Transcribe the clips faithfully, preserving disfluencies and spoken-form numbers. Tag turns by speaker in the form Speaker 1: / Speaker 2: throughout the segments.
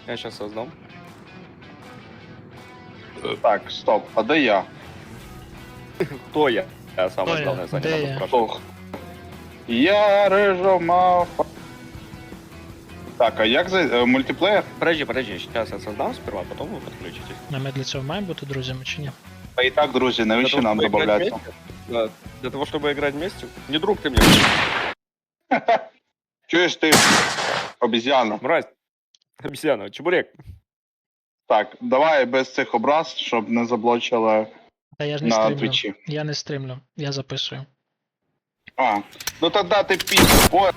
Speaker 1: Я сейчас создам.
Speaker 2: Так, стоп, а де я?
Speaker 1: Кто я? Я самое
Speaker 3: Кто
Speaker 1: главное,
Speaker 3: я?
Speaker 1: Саня,
Speaker 3: Где
Speaker 1: надо
Speaker 3: я?
Speaker 1: спрашивать.
Speaker 2: Ох. Я рижомафа. Так, а як за е, мультиплеєр?
Speaker 1: Подожди, подожди, сейчас я создам сперва, потом вы подключитесь.
Speaker 3: А ми для цього маємо бути друзями чи ні?
Speaker 2: А і так, друзі, навіщо
Speaker 1: Для того,
Speaker 2: нам
Speaker 1: чтобы играть
Speaker 2: додаватися?
Speaker 1: вместе? Да. Для того, чтобы играть вместе? Не друг ты мне,
Speaker 2: Чуєш ти, обіз'яна?
Speaker 1: мразь. Обезьяна, чебурек.
Speaker 2: Так, давай без цих образ, щоб не заблочили
Speaker 3: Та я ж не
Speaker 2: на
Speaker 3: стримлю.
Speaker 2: твічі.
Speaker 3: Я не стримлю, я записую.
Speaker 2: А, ну тоді ти піс. Ой,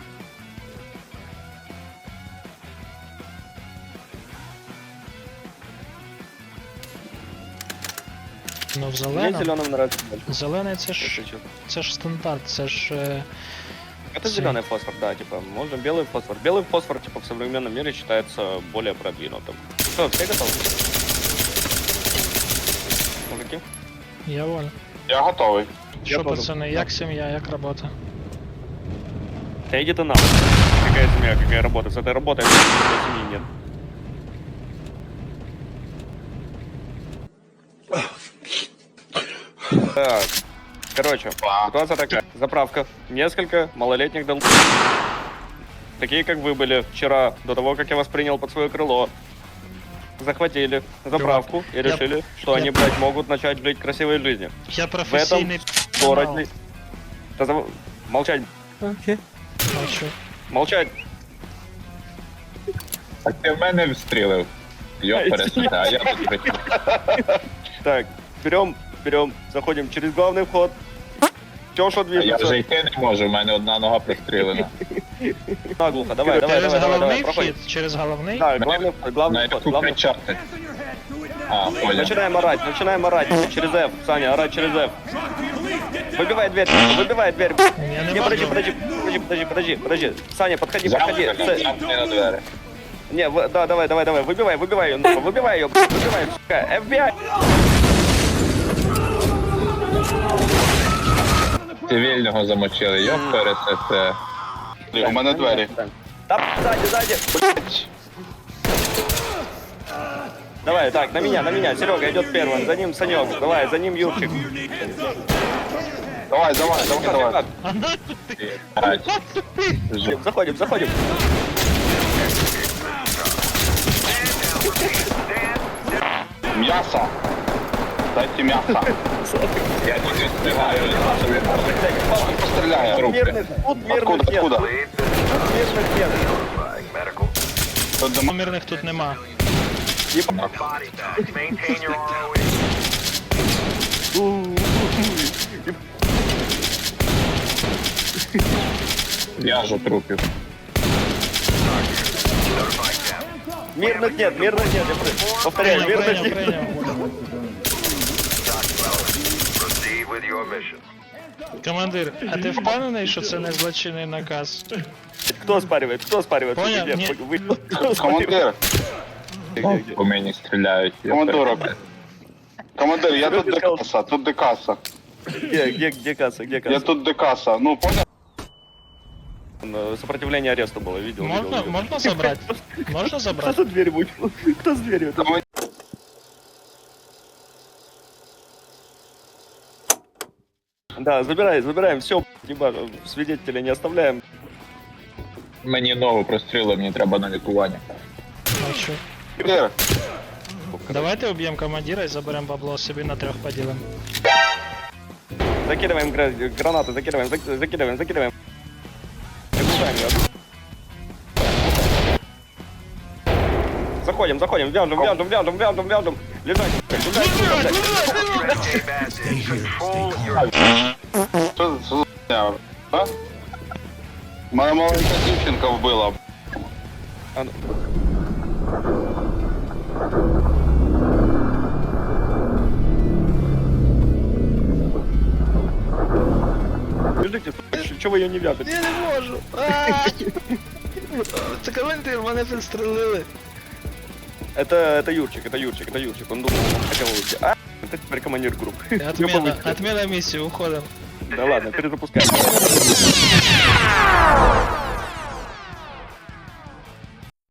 Speaker 3: Ну в
Speaker 1: Мне
Speaker 3: зеленому.
Speaker 1: зеленым нравится больше.
Speaker 3: Зелений це ж
Speaker 1: если честно.
Speaker 3: це ж стандарт, це ж. е,
Speaker 1: Это
Speaker 3: Цвет.
Speaker 1: зеленый фосфор, да, типа, можно белый фосфор. Белый фосфор, типа, в современном мире считается более продвинутым. Что, все готовы? Мужики?
Speaker 3: Я воль.
Speaker 2: я готовий.
Speaker 3: Що,
Speaker 1: тоже.
Speaker 3: пацани, як сім'я, як робота?
Speaker 1: Да иди ты нахуй. Какая семья, какая работа? С этой работой семьи нет. Так, короче, ситуация такая. Заправка. Несколько малолетних дол... Такие, как вы были вчера, до того, как я вас принял под свое крыло. Захватили заправку и
Speaker 3: я-
Speaker 1: решили, что
Speaker 3: я-
Speaker 1: они, блядь, могут начать жить красивой жизнью.
Speaker 3: Я
Speaker 1: В этом
Speaker 3: професійний
Speaker 1: городе... Да зав- Молчать,
Speaker 3: Бачу.
Speaker 1: молчать.
Speaker 4: Так ти в мене встрілив. Йоп, пересете, а я тут прийшов.
Speaker 1: Так, берем, берем, заходим через главный вход. Все, что
Speaker 4: А я
Speaker 1: движется.
Speaker 4: вже йти не можу, в мене одна нога прострілена.
Speaker 1: Наглухо, давай, давай,
Speaker 3: Через
Speaker 1: давай, давай, давай,
Speaker 3: головний
Speaker 1: проходим.
Speaker 3: вхід, через головний.
Speaker 1: Да, главный вход, главный
Speaker 4: На
Speaker 1: вход,
Speaker 4: яку
Speaker 1: главный вход.
Speaker 4: кричати? А, понял.
Speaker 1: Начинаем орать, начинаем орать. Через F, Саня, орать через F. Выбивай дверь, выбивай дверь.
Speaker 3: Я не
Speaker 1: Не, подожди,
Speaker 3: можу.
Speaker 1: подожди, подожди, подожди, подожди, подожди. Саня, подходи, подходи.
Speaker 4: Замкни,
Speaker 1: С-
Speaker 4: замкни на двері.
Speaker 1: Не, в- да, давай, давай, давай, выбивай, выбивай ее, ну, выбивай ее, выбивай, сука, эф би ай.
Speaker 4: Цивільного замочили, йоп, пересете.
Speaker 2: У мене двері.
Speaker 1: Да, сзади, сзади. Давай, так, на меня, на меня. Серега идет первым, за ним Санек, давай, за ним Юрчик.
Speaker 2: Давай, давай, давай, давай.
Speaker 4: Ать.
Speaker 1: Заходим, заходим.
Speaker 2: М'ясо. Дайте м'ясо.
Speaker 4: Я тільки встигаю.
Speaker 2: Постріляє.
Speaker 1: Мирных, тут мирных
Speaker 2: Откуда,
Speaker 1: нет.
Speaker 2: откуда?
Speaker 1: Тут мирных нет.
Speaker 2: Тут дома.
Speaker 3: Мирних тут нема.
Speaker 4: В'яжу трупів.
Speaker 1: Мирных нет, мирных нет. Я про- повторяю,
Speaker 3: Прийняв,
Speaker 1: мирных
Speaker 3: прийняв,
Speaker 1: нет.
Speaker 3: прийняв. Командир, а ти впевнений, що це не злочинний наказ?
Speaker 1: Кто спаривает? Кто спаривает?
Speaker 3: Понял,
Speaker 1: Нет,
Speaker 3: не-
Speaker 1: вы- кто спаривает?
Speaker 2: Командир,
Speaker 1: Где, где?
Speaker 4: По мені стріляють. йоп,
Speaker 2: командирок.
Speaker 4: пересете.
Speaker 2: Командир, я тут декаса, тут декаса.
Speaker 1: Где, где, где касса, где
Speaker 2: Я
Speaker 1: касса?
Speaker 2: тут декаса. Ну, понял?
Speaker 1: Э, Сопротивление аресту было, видел, видел,
Speaker 3: Можна,
Speaker 1: видел.
Speaker 3: можна забрати? Можна
Speaker 1: Кто
Speaker 3: забрати?
Speaker 1: за дверью будет? Кто с дверью?
Speaker 2: Командир,
Speaker 1: Да, забираем, забираем, все, свидетелей не оставляем.
Speaker 4: Мені ногу прострілили, мені треба на лікування.
Speaker 3: Бачу. Давайте уб'ємо командира і заберемо бабло собі на трьох поділимо.
Speaker 1: Закидываем гра- гранаты, закидываем, зак- закидываем, закидываем. Окружаем её. Заходим, заходим, вяжем, вяжем, вяжем, вяжем, вяжем. Лежать, лежать, лежать.
Speaker 2: Що це за хуйня, а? Моя маленька дівчинка вбила.
Speaker 1: А ну. Лежите, чего вы ее не вяжете?
Speaker 3: Я не можу. Це командир, мене підстрелили.
Speaker 1: Это, это Юрчик, это Юрчик, это Юрчик. Он думал, он хотел уйти. А, это теперь командир группы.
Speaker 3: Отмена, отмена місії, уходимо.
Speaker 1: Да ладно, перезапускаем.